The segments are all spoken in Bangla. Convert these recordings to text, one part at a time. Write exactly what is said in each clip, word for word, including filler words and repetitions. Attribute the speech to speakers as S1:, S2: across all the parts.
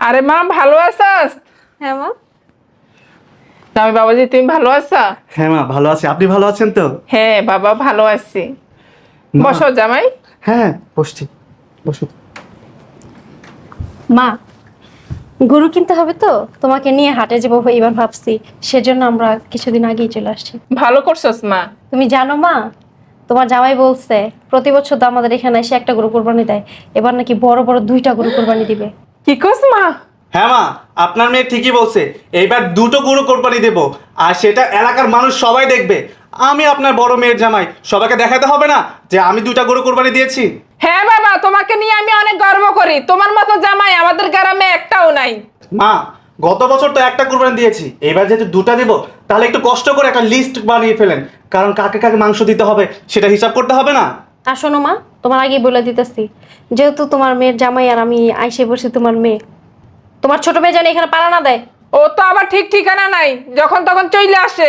S1: আরে মা ভালো আছিস?
S2: হ্যাঁ মা।
S1: জামাই বাবাজি তুমি ভালো আছো?
S3: হ্যাঁ মা ভালো আছি, আপনি ভালো আছেন তো?
S1: হ্যাঁ বাবা ভালো আছি।
S3: মা।
S1: বসো জামাই।
S3: হ্যাঁ বসছি, বসো।
S2: মা, গরু কিনতে হবে তো, তোমাকে নিয়ে হাটে যাবো এবার ভাবছি, সেজন্য আমরা কিছুদিন আগেই চলে আসছি।
S1: ভালো করছস মা।
S2: তুমি জানো মা, তোমার জামাই বলছে প্রতি বছর তো আমাদের এখানে এসে একটা গরু কোরবানি দেয়, এবার নাকি বড় বড় দুইটা গরু কোরবানি দিবে।
S1: কি কস মা?
S3: হ্যাঁ মা, আপনার মেয়ে ঠিকই বলছে, এইবার দুটো গরু কোরবানি দেব, আর সেটা এলাকার মানুষ সবাই দেখবে। আমি আপনার বড় মেয়ের জামাই, সবাইকে দেখাতে হবে না যে আমি দুটা গরু কোরবানি দিয়েছি?
S1: হ্যাঁ বাবা, তোমাকে নিয়ে আমি অনেক গর্ব করি। তোমার মতো জামাই আমাদের গ্রামে একটাও নাই।
S3: মা, গত বছর তো একটা কোরবানি দিয়েছি, এবার যেহেতু দুটা দেব, তাহলে একটু কষ্ট করে একটা লিস্ট বানিয়ে ফেলেন, কারণ কাকে কাকে মাংস দিতে হবে সেটা হিসাব করতে হবে না?
S2: আর শোনো মা, তোমার আগেই বলে দিতেছি, যেহেতু তোমার মেয়ের জামাই আর আমি আইসে বসে, তোমার মেয়ে, তোমার ছোট মেয়ে জানি এখানে পাড়া না দেয়।
S1: ও তো আবার ঠিক ঠিকানা নাই, যখন তখন চলে আসে।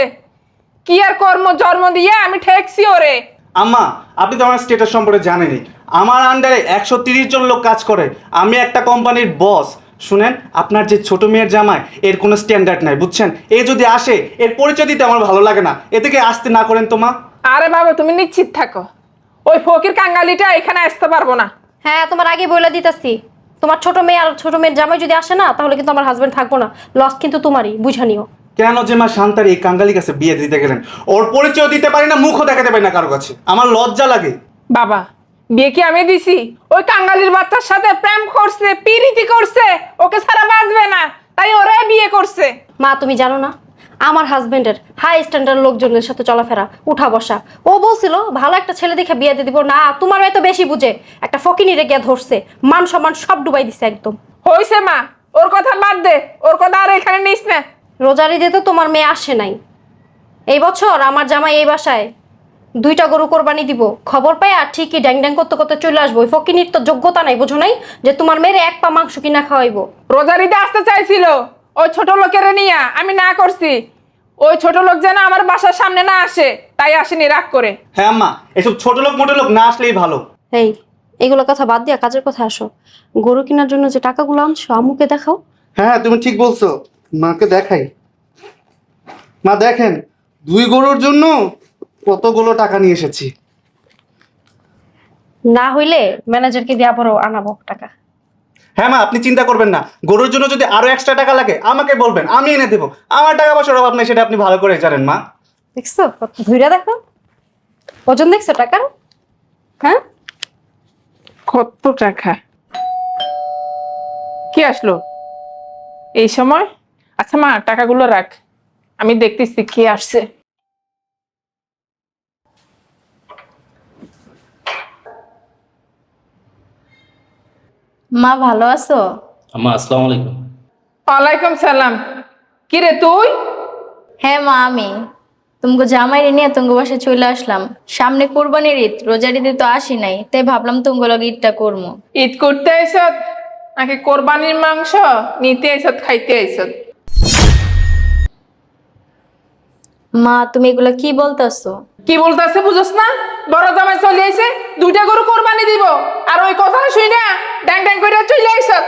S1: কি আর কর্ম জন্ম দিয়ে আমি ঠেকছি ওরে।
S3: আম্মা, আপনি তো আমার স্টেটাস সম্পর্কে জানেনই, আমার আন্ডারে একশো তিরিশ জন লোক কাজ করে, আমি একটা কোম্পানির বস। শুনেন, আপনার যে ছোট মেয়ের জামাই, এর কোনো স্ট্যান্ডার্ড নাই, বুঝছেন? এ যদি আসে, এর পরিচয় দিতে আমার ভালো লাগে না, এ থেকে আসতে না করেন তো মা।
S1: আরে বাবা তুমি নিশ্চিত থাকো, ওই ফকির কাঙ্গালিটা এখানে আসতে পারবো না।
S2: হ্যাঁ, তোমার আগে বলে দিতেছি, তোমার ছোট মেয়ে আর ছোট মেয়ের জামাই যদি আসে না, তাহলে কিন্তু আমার হাজবেন্ড থাকবো না, লস কিন্তু তোমারই, বুঝা নিও।
S3: কেন যে মা শান্তার এই কাঙ্গালির কাছে বিয়ে দিতে গেলেন? ওর পরিচয় দিতে পারি না, মুখও দেখাতে পারি না কারো কাছে, আমার লজ্জা লাগে।
S1: বাবা, বিয়ে কি আমি দিছি? ওই কাঙ্গালির বাচ্চার সাথে প্রেম করছে, পিরিতি করছে, ওকে ছাড়া বাঁচবে না, তাই ওরে বিয়ে করছে।
S2: মা, তুমি জানো না আমার হাজবেন্ডের হাই স্ট্যান্ডার্ড লোকজনের সাথে চলাফেরা, উঠা বসা। ও বলছিল ভালো একটা ছেলে দেখে বিয়ে দিয়ে দিব, না তোমার মেয়ে তো বেশি বুঝে, একটা ফকিনিরে গিয়ে ধরছে, মান সম্মান সব ডুবাই দিছে একদম।
S1: হইছে মা, ওর কথা বাদ দে, ওর কথা আর এখানে নিস না।
S2: রোজার ঈদে তো তোমার মেয়ে আসে নাই, এই বছর আমার জামাই এই বাসায় দুইটা গরু কোরবানি দিব, খবর পাই আর ঠিকই ড্যাং ড্যাং করতে করতে চলে আসবো। ওই ফকিনির তো যোগ্যতা নাই, বুঝো নাই, যে তোমার মেয়ের এক পা মাংস কিনা খাওয়াইবো।
S1: রোজারিতে আসতে চাইছিল ওই ছোট লোকের নিয়ে, আমি না করছি। ওই ছোট লোক যেন আমার বাসার সামনে না আসে, তাই আসেনি রাগ করে।
S3: হ্যাঁ আম্মা, এসব ছোট লোক মোটো লোক না আসলেই ভালো।
S2: এই, এগুলো কথা বাদ দিয়া কাজের কথা আসো। গরু কেনার জন্য যে টাকাগুলো আনছো আম্মুকে দেখাও।
S3: হ্যাঁ তুমি ঠিক বলছো, মাকে দেখাই। মা দেখেন, দুই গরুর জন্য কতগুলো টাকা নিয়ে এসেছি।
S2: না হইলে ম্যানেজারকে দিয়ে আবারও আনাবো টাকা।
S3: হ্যাঁ মা, আপনি চিন্তা করবেন না, গরুর জন্য যদি আরো এক্সট্রা টাকা লাগে আমাকে বলবেন, আমি এনে দেবো। আমার টাকা পয়সার অভাব নেই, সেটা আপনি ভালো করে জানেন মা।
S2: দেখছো কত ধইরা, দেখো ওজন দেখছো টাকার। হ্যাঁ,
S1: কত টাকা! কি আসলো এই সময়? আচ্ছা মা, টাকাগুলো রাখ, আমি দেখতেছি কে আসছে।
S4: মা ভালো আছো?
S5: আম্মা আসসালামু আলাইকুম।
S1: ওয়ালাইকুম সালাম। কি রে তুই?
S4: হ্যাঁ মা, আমি তোমাকে জামাই নিয়ে তোমাকে বাসায় চলে আসলাম। সামনে কোরবানির ঈদ, রোজার ঈদে তো আসি নাই, তাই ভাবলাম তোমাকে লগে ঈদটা করবো।
S1: ঈদ করতে আইসত নাকি কোরবানির মাংস নিতে আইসত, খাইতে আইসত?
S4: মা তুমি এগুলা কি বলতেছো?
S1: কি বলতেছে বুঝছ না? বড় জামাই চলে আইছে, দুইটা গরু কোরবানি দিব, আর ওই কথা শুই না ড্যাং ড্যাং করে চলে আইসত।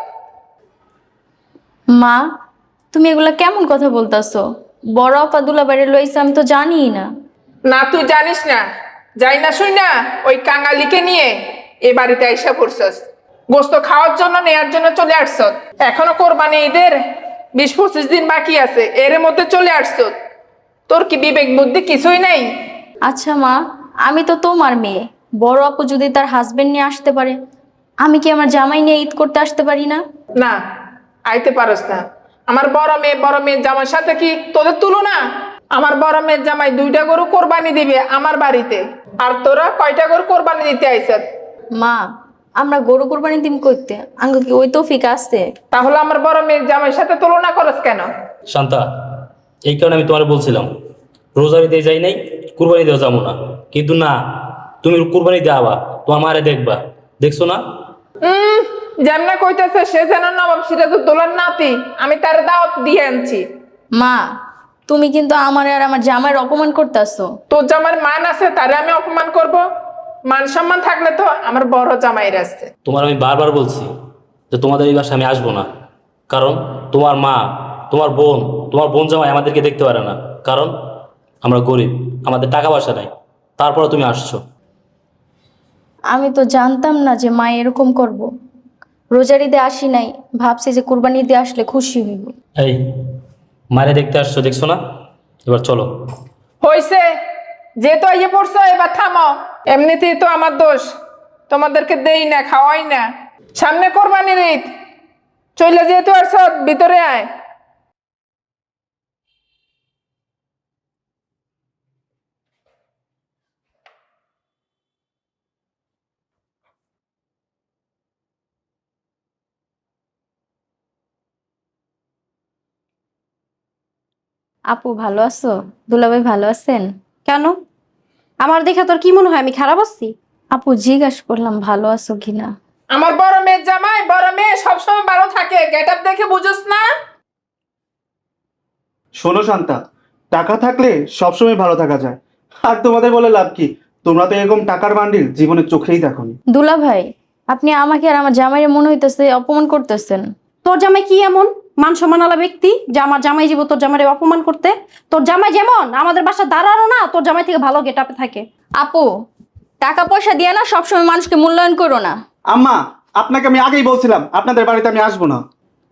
S4: মা তুমি এগুলা কেমন কথা বলতেছো? বড় আপা দুলাবাড়ি লইছে, আমি তো জানিই না।
S1: না তুই জানিস না, যাই না শুই না ওই কাঙালিকে নিয়ে এ বাড়িতে আইসা পড়ছস, গোস্ত খাওয়ার জন্য নেয়ার জন্য চলে আসছত। এখনো কোরবানি ঈদের বিশ পঁচিশ দিন বাকি আছে, এর মধ্যে চলে আসছত। তোর কি বিবেক বুদ্ধি কিছুই নাই?
S4: আচ্ছা মা, আমি তো তোমার মেয়ে, বড় আপু যদি তার হাজবেন্ড নিয়ে আসতে পারে, আমি কি আমার জামাই নিয়ে ঈদ করতে আসতে পারি না?
S1: না, আইতে পারস না। আমার বড় মেয়ে বড় মেয়ের জামাইয়ের সাথে কি তোদের তুলনা? আমার বড় মেয়ের জামাই দুইটা গরু কোরবানি দিবে আমার বাড়িতে, আর তোরা কয়টা গরু কোরবানি দিতে আইছত?
S4: মা আমরা গরু কোরবানি দিন করতে আঙ্গ কি ওই তৌফিক আছে?
S1: তাহলে আমার বড় মেয়ের জামাইয়ের সাথে তুলনা করস কেন?
S5: শান্তা, এই কারণে আমি তোমার বলছিলাম রোজারিতে যাই নাই, কুরবানি দেওয়া যাবো না, কিন্তু না, তুমি কুরবানি দেওয়া, তোমার মারে দেখবা, দেখছো না?
S1: হম যেমনে কইতেছে সে যেন নবাব সিরাজউদ্দৌলার নাতি, আমি তার দাওয়াত দিয়ে আনছি।
S4: মা তুমি কিন্তু আমার আর আমার জামাইয়ের অপমান করতেছো।
S1: তোর জামাইয়ের মান আছে, তারে আমি অপমান করব? মান সম্মান থাকলে তো আমার বড় জামাইয়ের আছে।
S5: তোমার আমি বারবার বলছি যে তোমাদের এই বাসায় আমি আসবো না, কারণ তোমার মা, তোমার বোন, তোমার বোন জামাই আমাদেরকে দেখতে পারে না, কারণ আমরা গরিব, আমাদের টাকা পয়সা নাই। তারপরে তুমি আসছো।
S4: আমি তো জানতাম না যে মা এরকম করব। রোজার ঈদে আসি নাই, ভাবছি যে কুরবানি ঈদে আসলে খুশি হইব।
S5: এই মারে দেখতে আসছো, দেখছো না? এবার চলো।
S1: হইছে, যেহেতু আইয়ে পড়ছো এবার থামো। এমনিতেই তো আমার দোষ, তোমাদেরকে দেই না, খাওয়াই না। সামনে কোরবানির ঈদ, চলে যেহেতু আসছ, ভিতরে আয়।
S4: আপু ভালো আছো? দুলাভাই ভালো আছেন?
S2: কেন? আমার দেখে তোর কি মনে হয় আমি খারাপ আছি?
S4: আপু জিজ্ঞাসা করলাম ভালো আছো কিনা।
S1: আমার বড় মেয়ের জামাই, বড় মেয়ে সবসময় ভালো থাকে, গেট আপ দেখে বুঝোস না?
S3: শোনো শান্তা, টাকা থাকলে সবসময় ভালো থাকা যায়। আর তোমাদের বলে লাভ কি? তোমরা তো এরকম টাকার বান্ডিল জীবনে চোখেই দেখোনি।
S4: দুলাভাই, আপনি আমাকে আর আমার জামাইয়ের মনে হইতেছে অপমান করতেছেন।
S2: তোর জামাই কি এমন মান সম্মানওয়ালা ব্যক্তি যে আমার জামাই জীব তোর জামাইয়ের অপমান করতে? তোর জামাই যেমন আমাদের বাসা দাঁড়ানো না, তোর জামাই থেকে ভালো গেট আপে থাকে।
S4: আপু, টাকা পয়সা দিয়ে না সবসময় মানুষকে মূল্যায়ন করো না।
S3: আম্মা, আপনাকে আমি আগেই বলছিলাম আপনাদের বাড়িতে আমি আসবো না।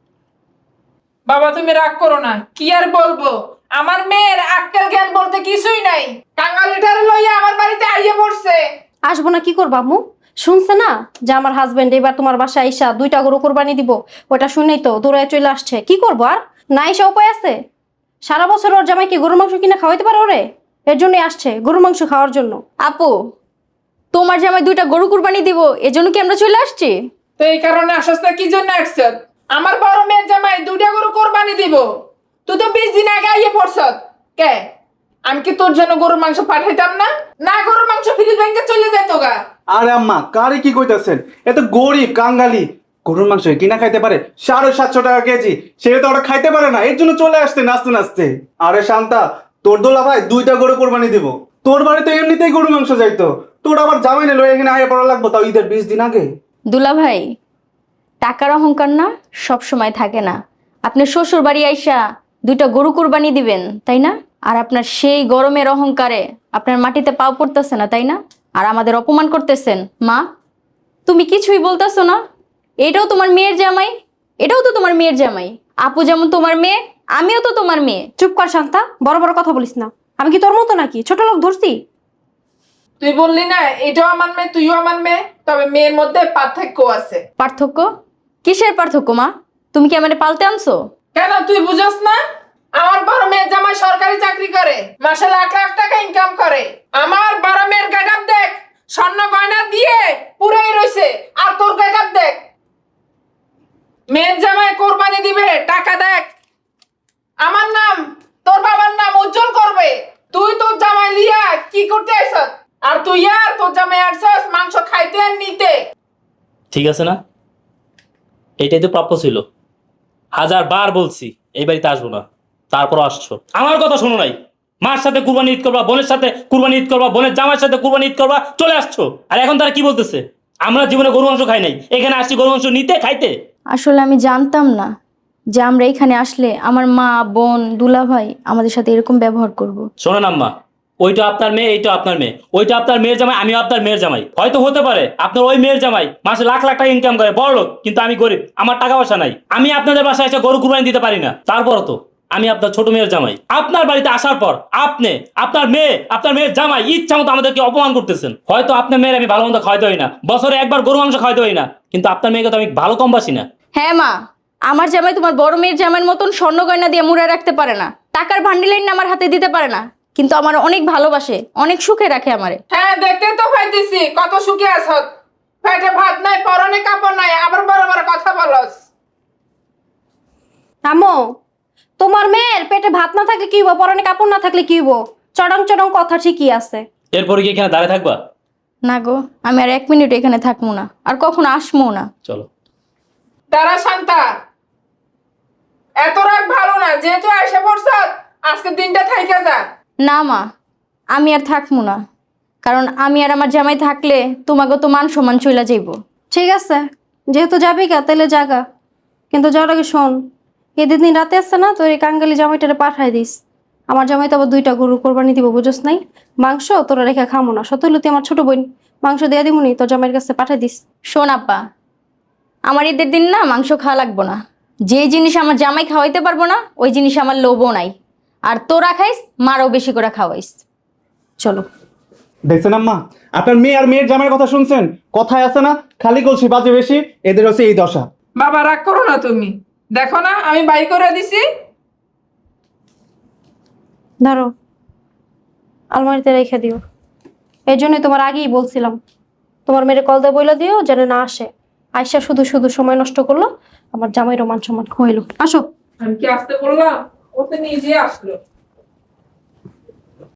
S1: বাবা তুমি রাগ করো না, কি আর বলবো, আমার মেয়ের আক্কেল জ্ঞান বলতে কিছুই নাই। কাঙ্গালিটার লইয়া আমার বাড়িতে আইয়ে পড়ছে।
S2: আসবো না কি করবো আম্মু? শুনছে না যে আমার হাজবেন্ড এবার তোমার বাসায় আইসা দুইটা গরু কোরবানি দিব? ওটা শুনেই তো দৌড়ায় চলে আসছে। কি করবো আর? না এসে উপায় আছে? সারা বছর ওর জামাই কি গরুর মাংস কিনা খাওয়াইতে পারে ওরে? এর জন্যই আসছে, গরুর মাংস খাওয়ার জন্য।
S4: আপু, তোমার জামাই দুইটা গরু কুরবানি দিব, এজন্য কি আমরা চলে আসছি?
S1: তো এই কারণে আসছ না, কি জন্য আসছ? আমার বড় মেয়ের জামাই দুইটা গরু কোরবানি দিব, তুই তো বিশ দিন আগে আইয়ে পড়ছ। কে আমি কি তোর জন্য গরুর মাংস পাঠাইতাম না? না, গরুর মাংস ফ্রিজ ব্যাংকে চলে যেত গা।
S3: আরে আম্মা, কারে কি কইতাছেন? এত গরিব কাঙ্গালি গরুর মাংস কিনা খাইতে পারে সাড়ে সাতশো টাকা কেজি, সে তো ওরা খাইতে পারে না, এর জন্য চলে আসতে নাচতে নাচতে। আরে শান্তা, তোর দোলা ভাই দুইটা গরু কোরবানি দিব, তোর বাড়িতে এমনিতেই গরু মাংস যাইতো, তোর আবার জামাই নিলো এখানে আগে পড়া লাগবো, তাও ঈদের বিশ দিন আগে।
S4: দুলাভাই, টাকার অহংকার না সব সময় থাকে না। আপনি শ্বশুর বাড়ি আইসা দুইটা গরু কুরবানি দিবেন, তাই না? আর আপনার সেই গরমের অহংকারে আপনার মাটিতে পাও পড়তেছে না, তাই না? আর আমাদের অপমান করতেছেন। মা, তুমি কিছুই বলতেছো না? এটাও তোমার মেয়ের জামাই, এটাও তো তোমার মেয়ের জামাই। আপু যেমন তোমার মেয়ে, আমিও তো তোমার মেয়ে।
S2: চুপ কর শান্তা, বড় বড় কথা বলিস না। আমি কি তোর মতো নাকি ছোট লোক ধরছি?
S1: তুই বললি না এটাও আমার মেয়ে, তুইও আমার মেয়ে, তবে মেয়ের মধ্যে পার্থক্য আছে।
S4: পার্থক্য? কিসের পার্থক্য মা? তুমি কি আমারে পালতে আনছো?
S1: কেন তুই বুঝস না? আমার বড় মেয়ের জামাই সরকারি চাকরি করে, মাসে লাখ লাখ টাকা ইনকাম করে। আমার বড় মেয়ের গেটআপ দেখ, স্বর্ণ গয়না দিয়ে পুরাই রইছে। আর তোর গেটআপ দেখ, মেয়ের জামাই কোরবানি দিবে, টাকা দেখ, আমার নাম তোর বাবার নাম উজ্জ্বল করবে। তুই তোর জামাই লিয়া কি করতে আইছস? আর তুই আর তোর জামাই আসছস মাংস খাইতে আর নিতে।
S5: ঠিক আছে না? এটাই তো প্রাপ্য ছিল। হাজার বার বলছি এই বাড়িতে আসবো না, তারপর আসছো। আমার কথা শোনো নাই। মার সাথে কুরবানি ঈদ করবা, বোনের সাথে কুরবানি ঈদ করবা, বোনের জামাইয়ের সাথে কুরবানি ঈদ করবা, চলে আসছো। আর এখন তারা কি বলতেছে? আমরা জীবনে গরু মাংস খাই নাই, এখানে আসছি গরু মাংস নিতে, খাইতে।
S4: আসলে আমি জানতাম না যে আমরা এখানে আসলে আমার মা, বোন, দুলাভাই আমাদের সাথে এরকম ব্যবহার করব।
S5: শোনেন আম্মা, ওইটা আপনার মেয়ে, এইটা আপনার মেয়ে, ওইটা আপনার মেয়ের জামাই, আমিও আপনার মেয়ের জামাই। হয়তো হতে পারে আপনার ওই মেয়ের জামাই মাসে লাখ লাখ টাকা ইনকাম করে, বড় লোক, কিন্তু আমি গরিব, আমার টাকা পয়সা নাই। আমি আপনাদের বাসায় এসে গরু কুরবানি দিতে পারি না। তারপরও তো আমি আপনার ছোট মেয়ের জামাই। আপনার বাড়িতে আসার পর আপনি, আপনার মেয়ে, আপনার মেয়ের জামাই ইচ্ছা মতো আমাদেরকে অপমান করতেছেন। হয়তো আপনার মেয়ের আমি ভালো মন্দ খাওয়াইতে হই না, বছরে একবার গরু মাংস খাওয়াইতে হই না, কিন্তু আপনার মেয়েকে তো আমি ভালো কম বাসি না।
S4: হ্যাঁ মা, আমার জামাই তোমার বড় মেয়ের জামাইয়ের মতন স্বর্ণ গয়না দিয়ে মুড়ে রাখতে পারে না, টাকার ভান্ডিলের আমার হাতে দিতে পারে না, কিন্তু আমার অনেক ভালোবাসে, অনেক সুখে রাখে আমারে।
S1: হ্যাঁ, দেখতে তো পাইতেছি কত সুখে আছস। পেটে ভাত নাই, পরনে কাপড় নাই, আবার বড় বড় কথা বলস।
S2: আম্মু, তোমার মেয়ের পেটে ভাত না থাকলে কি হইব, পরনে কাপড় না থাকলে কি হইব? চড়ং চড়ং কথা ঠিকই আছে।
S5: এরপরে কি এখানে দাঁড়িয়ে থাকবা?
S4: না গো, আমি আর এক মিনিট এখানে থাকবো না, আর কখনো আসবো না।
S5: চলো।
S1: তারা শান্তা, এত রাগ ভালো না, যেহেতু এসে পড়ছ আজকে দিনটা থাইকা যা।
S4: না মা, আমি আর থাকবো না, কারণ আমি আর আমার জামাই থাকলে তোমাকে তো মান সম্মান চইলা যাইব।
S2: ঠিক আছে, যেহেতু যাবি গা তাহলে জাগা, কিন্তু যাওয়ার আগে শোন, ঈদের দিন রাতে আসছে না, তোর এই কাঙ্গালি জামাইটারে পাঠাই দিস। আমার জামাই তো আবার দুইটা গরু কোরবানি দিব, বুঝোস নাই? মাংস তোরা রেখে খামো না, সতলুতি আমার ছোট বোন, মাংস দিয়ে দিবনি, তোর জামাইয়ের কাছে পাঠাই দিস।
S4: শোন আপা, আমার ঈদের দিন না মাংস খাওয়া লাগবো না। যে জিনিস আমার জামাই খাওয়াইতে পারবো না ওই জিনিস আমার লোভও নাই। আর তোরা খাইস, মারও বেশি করে খাওয়াইস।
S2: চলো।
S3: দেখছেন আম্মা, আপনার মেয়ে আর মেয়ের জামাইয়ের কথা শুনছেন? কথায় আছে না, খালি কলসি বাজে বেশি, এদের হচ্ছে এই দশা।
S1: বাবা রাগ করো না তুমি, দেখো না আমি বাই করে দিছি।
S2: ধরো, আলমারিতে রেখে দিও। এই জন্যই তোমার আগেই বলছিলাম, তোমার মেয়ের কল দিয়ে বইলা দিও যেন না আসে। আয়সা শুধু শুধু সময় নষ্ট করলো, আমার জামাই রোমান সমান খোয়াইলো। আসো।
S1: আমি কি আসতে বললাম? ও তো নিজে আসলো।